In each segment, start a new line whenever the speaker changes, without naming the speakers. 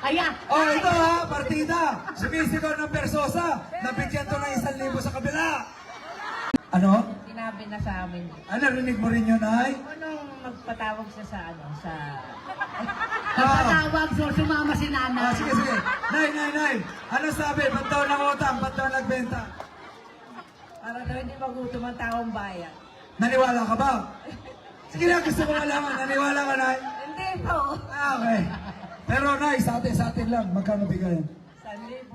Ayan!
Oh, ito ha, partida. Sumisigaw ng Persosa. Nabigyan to ng 1,000 sa kabila. Ano?
Sinabi na sa amin.
Narinig mo rin yun, ay?
Anong magpatawag siya sa ano, sa...
Nagpatawag, so sumama si nanay.
Sige, sige. Nay. Ano sabi? Ba't daw nangutang? Ba't daw nagbenta?
Para daw hindi magutom ang taong bayan.
Naniwala ka ba? Sige na, gusto ko malaman. Naniwala ka, Nay?
Hindi po.
Okay. Pero, Nay, sa atin lang. Magkano bigayan?
1,000.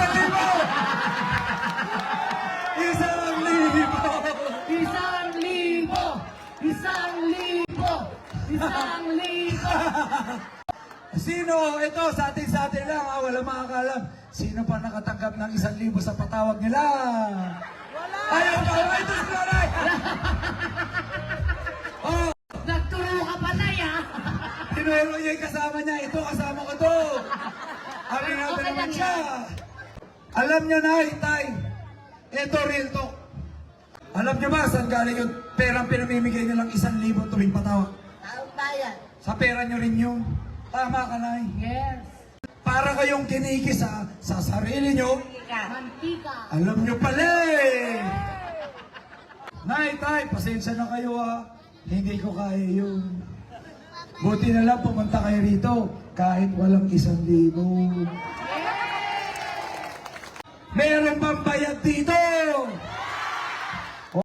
1,000! 1,000!
1,000!
Sino? Ito, sa atin lang. Wala makakalam. Sino pa nakatanggap ng 1,000 sa patawag nila? Wala! Ayaw pa! Ito si Nanay! Oh!
Nagturo ka pa na yan.
Tinuero niya yung kasama niya. Ito, kasama ko to. Amin natin
Okay
naman
lang
siya. Alam niyo na, Tay. Ito, real talk. Alam niyo ba saan galing yung perang pinamimigay niyo lang 1,000 tuwing patawag?
Taong bayan.
Sa pera niyo rin yun. Tama ka, Nay.
Yes.
Para kayong kinikis sa sarili niyo.
Ika.
Mantika.
Alam niyo pala eh. Nay, Tay, pasensya na kayo ha. Hindi ko kaya yun. Buti na lang pumunta kayo rito kahit walang 1,000. Meron bang bayad dito?